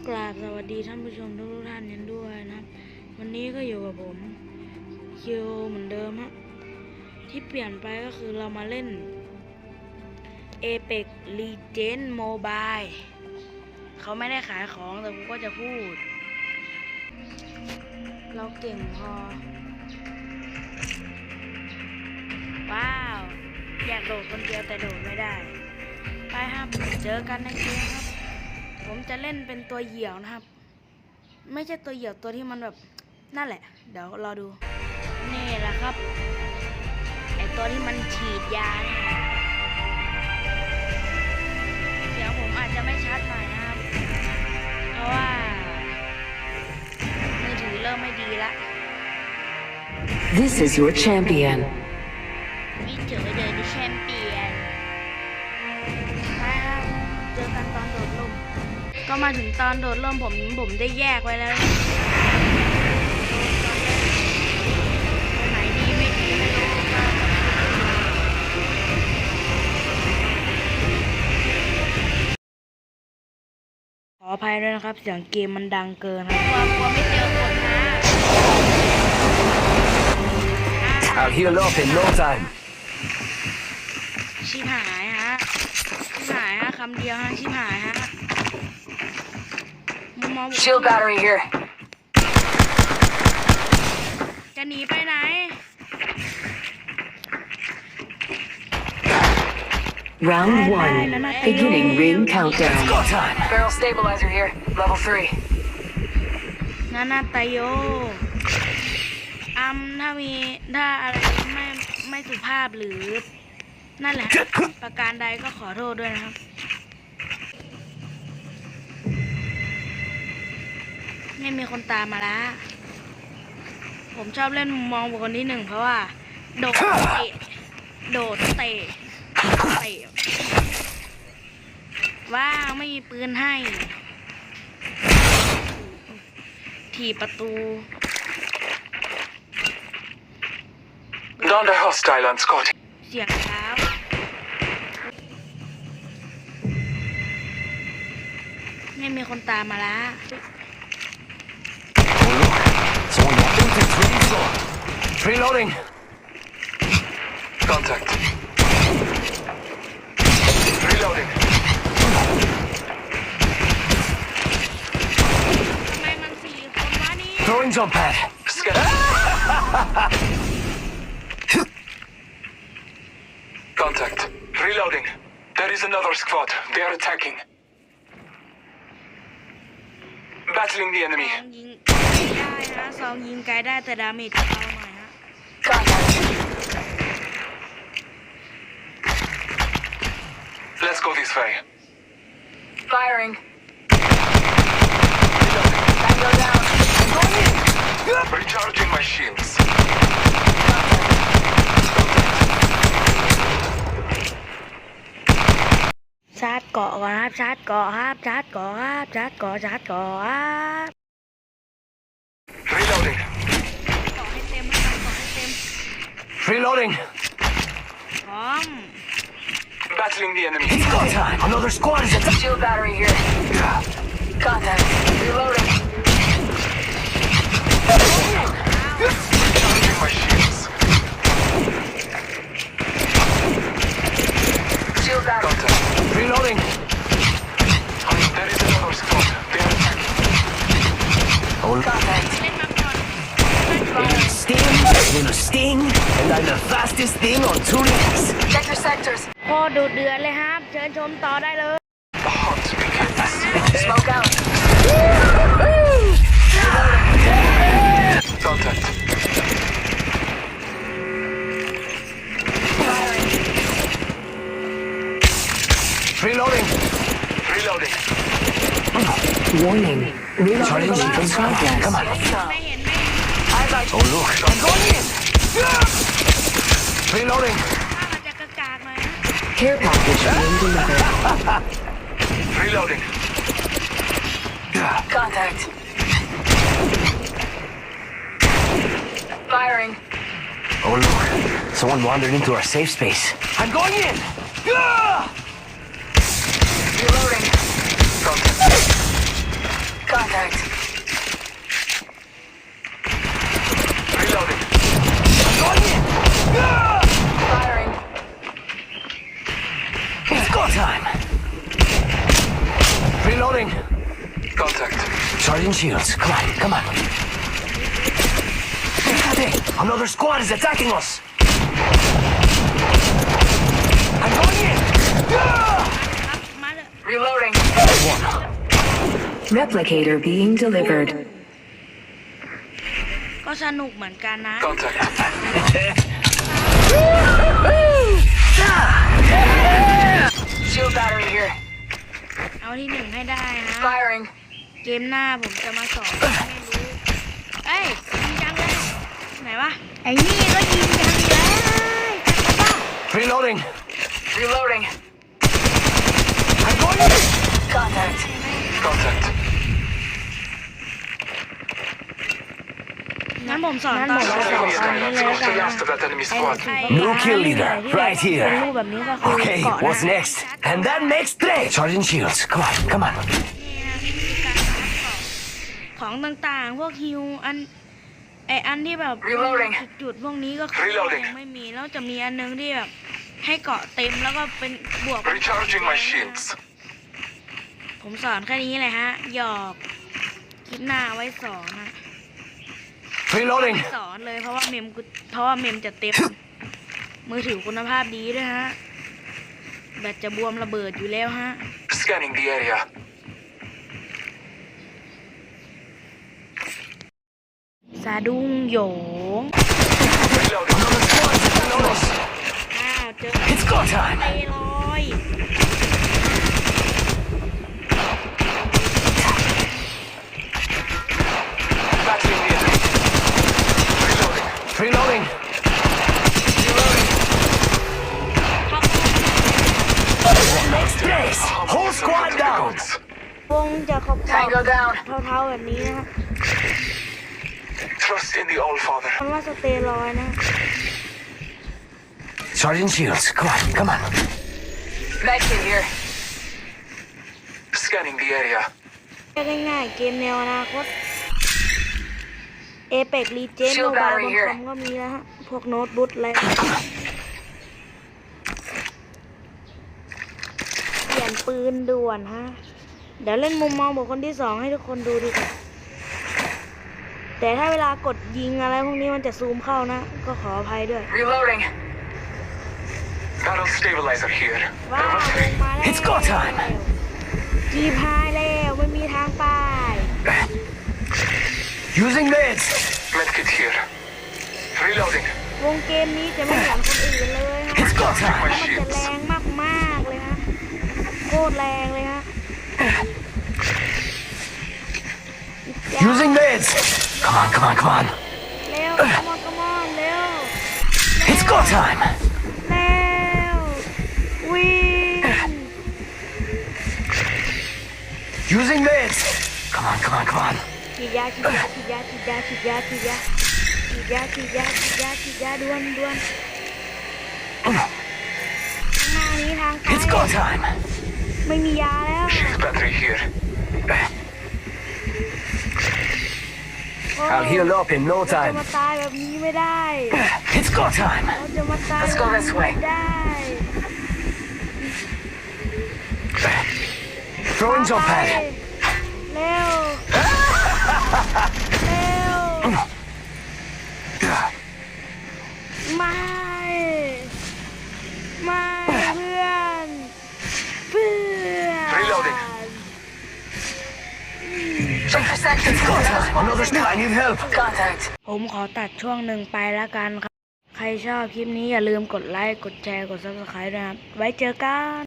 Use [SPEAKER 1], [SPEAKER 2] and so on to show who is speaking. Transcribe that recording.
[SPEAKER 1] กราบสวัสดีท่านผู้ชมทุกท่านกันด้วยนะครับวันนี้ก็อยู่กับผมคิวเหมือนเดิมฮะที่เปลี่ยนไปก็คือเรามาเล่น Apex Legends Mobile เขาไม่ได้ขายของแต่ผมก็จะพูดเราเก่งพอว้าวอยากโดดคนเดียวแต่โดดไม่ได้ไปครับเจอกันในเกมครับผมจะเล่นเป็นตัวเหยี่ยวนะครับไม่ใช่ตัวเหยี่ยวตัวที่มันแบบนั่นแหละเดี๋ยวรอดูนี่แหละครับไอตัวที่มันฉีดยาเสียงผมอาจจะไม่ชัดหน่อยนะครับเพราะว่ามือถือเริ่มไม่ดีละ
[SPEAKER 2] This is your champion.
[SPEAKER 1] วิเจอเดินดิแชมเปี้ยนไปครับเจอกันตอนโดดร่มก็มาถึงตอนโดดร่มผมได้แยกไว้แล้วไหนดีไม่ดีไม่รู้ขออภัยด้วยนะครับเสียงเกมมันดังเกินครับกลัวไม่เจอคนนะ
[SPEAKER 3] I'll heal up in no time.
[SPEAKER 1] ชิบหายฮะคำเดียวฮะชิบหายฮะ
[SPEAKER 2] Shield battery here.
[SPEAKER 1] จะหนีไปไหน
[SPEAKER 2] Round 1. Beginning ring countdown.
[SPEAKER 3] Go time.
[SPEAKER 2] Barrel stabilizer here. Level 3.
[SPEAKER 1] นานาตโยถ้าอะไรไม่สุภาพหรือนั่นแหละประการใดก็ขอโทษด้วยนะครับไม่มีคนตามมาละผมชอบเล่นมุมมองบุคคลที่หนึ่งเพราะว่าโดดเตะว่างไม่มีปืนให้ถีบประตู
[SPEAKER 3] Under hostile on Scott.
[SPEAKER 1] เสียงเท้าไม่มีคนตามมาละ
[SPEAKER 3] Oh look, someone walking to three floor. Reloading. Contact. Reloading.
[SPEAKER 1] ทำไมมัน4 คนวะนี่
[SPEAKER 3] Throwing jump pad. Contact. Reloading. There is another squad. They are attacking. Battling the
[SPEAKER 1] ซ
[SPEAKER 3] enemy.
[SPEAKER 1] องยิงได้นะซองยิงไกลได้แต่ดาเมจเบาหน่อยฮะ
[SPEAKER 3] Let's go this way.
[SPEAKER 2] Firing.
[SPEAKER 3] Tango down. Going in. Recharging my shields.
[SPEAKER 1] ชาร์จเกาะก่อนครับชาร์จเกาะครับชาร์จเกาะครับชาร์จเกาะครับ
[SPEAKER 3] Reloading.
[SPEAKER 1] เกาะให้เต็มครับเกาะให้เต็ม
[SPEAKER 3] Reloading.
[SPEAKER 1] พร้อม
[SPEAKER 3] Battling the enemy. It's go time. Another squad is attacking.
[SPEAKER 2] Shield battery here. Contact. Reloading.
[SPEAKER 3] Recharging my shields.
[SPEAKER 2] Shield battery.
[SPEAKER 3] Contact. Reloading. There is another squad. They are attacking. Oh,
[SPEAKER 2] Contact.
[SPEAKER 1] เล่นมาก่อน
[SPEAKER 3] Sting, and I'm the fastest thing on two legs.
[SPEAKER 2] Check your sectors.
[SPEAKER 1] พอดูเดือดเลยครับเชิญชมต่อได้เลย
[SPEAKER 3] The hunt begins.
[SPEAKER 2] Smoke out.
[SPEAKER 3] Contact. Reloading. Reloading.
[SPEAKER 2] Warning. Reloading in progress.
[SPEAKER 3] Come on.
[SPEAKER 1] ไม่เห็น
[SPEAKER 3] Oh look, I'm going in. Reloading.
[SPEAKER 1] ถ้ามันจะกากๆหน่อยนะ
[SPEAKER 2] Care package being delivered.
[SPEAKER 3] Reloading.
[SPEAKER 2] Contact. Firing.
[SPEAKER 3] Oh look, someone wandered into our safe space. I'm going in.
[SPEAKER 2] Reloading.
[SPEAKER 3] Contact.
[SPEAKER 4] Reloading.
[SPEAKER 3] Contact.
[SPEAKER 4] Charging shields. Come on. Hey, another squad is attacking us. I'm going in.
[SPEAKER 1] ครับมาเลย
[SPEAKER 2] Reloading.
[SPEAKER 4] One.
[SPEAKER 5] Replicator being delivered.
[SPEAKER 1] ก็สนุกเหมือนกันนะ
[SPEAKER 3] Contact.
[SPEAKER 2] Shield battery here.
[SPEAKER 1] เอาที่หนึ่งให้ได้ฮะ
[SPEAKER 2] Firing.
[SPEAKER 1] เกมหน้าผมจะมาสอนให้รู้เอ้ยยิงจังเลยไหนวะไอ้นี่ก็ยิงจังเลยจังปะ
[SPEAKER 4] Reloading.
[SPEAKER 2] Reloading.
[SPEAKER 4] I'm going in.
[SPEAKER 2] Contact.
[SPEAKER 3] Contact.
[SPEAKER 1] งั้นผมสอนตอนนี้เลย
[SPEAKER 3] Close the
[SPEAKER 1] กัน
[SPEAKER 3] last of that enemy squad.
[SPEAKER 4] New kill leader, right
[SPEAKER 1] เป็น
[SPEAKER 4] here.
[SPEAKER 1] รูปแบบนี้ก็คือ
[SPEAKER 4] Okay,
[SPEAKER 1] เกาะ
[SPEAKER 4] what's
[SPEAKER 1] นะ
[SPEAKER 4] next? And that makes three. Charging shields. Come on.
[SPEAKER 1] นี่นะวิธีการหาของต่างๆ พวกฮิวอันที่แบบ
[SPEAKER 2] Reloading
[SPEAKER 1] จุดๆพวกนี้ก็คือ
[SPEAKER 3] Reloading
[SPEAKER 1] ยังไม่มีแล้วจะมีอันนึงที่แบบให้เกาะเต็มแล้วก็เป็นบวก
[SPEAKER 3] Recharging my shields.
[SPEAKER 1] ผมสอนแค่นี้เลยฮะหยอกคลิปหน้าไว้สอนฮะ
[SPEAKER 4] Reloading.
[SPEAKER 1] สอนเลยเพราะว่าเมมจะเต็ม มือถือคุณภาพดีด้วยฮะแบตจะบวมระเบิดอยู่แล้วฮะ
[SPEAKER 3] Scanning the area.
[SPEAKER 1] สะดุ้งโหยง
[SPEAKER 3] Reloading.
[SPEAKER 4] Another squad is attacking us.
[SPEAKER 1] อ้าวเจอ
[SPEAKER 4] It's go time.
[SPEAKER 1] ไปลอย
[SPEAKER 3] Battling the enemy. Reloading.
[SPEAKER 4] Reloading. Next place. Whole squad down.
[SPEAKER 1] วงจะขอบ
[SPEAKER 2] Tango down.
[SPEAKER 1] เท่าๆแบบนี้นะฮะ
[SPEAKER 3] Trust in the All Father.
[SPEAKER 1] มันว่าสเตียรอยด์นะ
[SPEAKER 4] Charging shields. Come on.
[SPEAKER 2] Medkit here.
[SPEAKER 3] Scanning the area.
[SPEAKER 1] ง่ายๆเกมแนวอนาคตเอเปกรีเจน
[SPEAKER 2] Shield
[SPEAKER 1] โมบาย
[SPEAKER 2] battery
[SPEAKER 1] บาง
[SPEAKER 2] here
[SPEAKER 1] คอมก็มีแล้วฮะ พวกโน้ตบุ๊กอะไรเปลี่ยนปืนด่วนฮะ เดี๋ยวเล่นมุมมองบุคคลที่ 2ให้ทุกคนดูดีกว่าแต่ถ้าเวลากดยิงอะไรพวกนี้มันจะซูมเข้านะ ก็ขออภัยด้วย
[SPEAKER 2] Reloading.
[SPEAKER 3] Barrel stabilizer here.
[SPEAKER 1] ว้าว
[SPEAKER 3] Level
[SPEAKER 1] ลง
[SPEAKER 3] 3.
[SPEAKER 1] มาแล้ว
[SPEAKER 4] It's go time
[SPEAKER 1] จีพายแล้วไม่มีทางไป
[SPEAKER 4] Using meds.
[SPEAKER 3] Medkit here. Reloading.
[SPEAKER 1] วงเกมนี้จะไม่เหมือนคนอื่นเลยฮะ
[SPEAKER 4] It's go
[SPEAKER 1] เพราะ
[SPEAKER 4] time.
[SPEAKER 1] มันจะแรงมากๆเลยฮะ โคตรแรงเลยฮะ
[SPEAKER 4] Using meds. Come on.
[SPEAKER 1] เร็ว come on เร็ว
[SPEAKER 4] It's go time.
[SPEAKER 1] เร็ววิ่ง
[SPEAKER 4] Using meds. Come on.
[SPEAKER 1] ฉีดยาด่วนด่วนข้างหน้านี้ทางไป
[SPEAKER 4] It's go time.
[SPEAKER 1] ไม่มียาแล้ว
[SPEAKER 3] Shield battery here.
[SPEAKER 1] โอ้
[SPEAKER 4] I'll heal up in no
[SPEAKER 1] เราจะ
[SPEAKER 4] time.
[SPEAKER 1] มาตายแบบนี้ไม่ได้
[SPEAKER 4] It's go time.
[SPEAKER 1] เราจะมาตาย
[SPEAKER 2] Let's go this way
[SPEAKER 1] ไม่ได้
[SPEAKER 4] Throwing jump
[SPEAKER 1] ไป
[SPEAKER 4] pad.
[SPEAKER 1] เร็ว เร็ว ไม่ เพื่อน
[SPEAKER 3] Reloading.
[SPEAKER 2] Check for sections.
[SPEAKER 4] Go time. Another squad. I need help.
[SPEAKER 2] Contact.
[SPEAKER 1] ผมขอตัดช่วงหนึ่งไปแล้วกันครับ ใครชอบคลิปนี้อย่าลืมกดไลค์ กดแชร์ กด Subscribe ด้วยนะครับ ไว้เจอกัน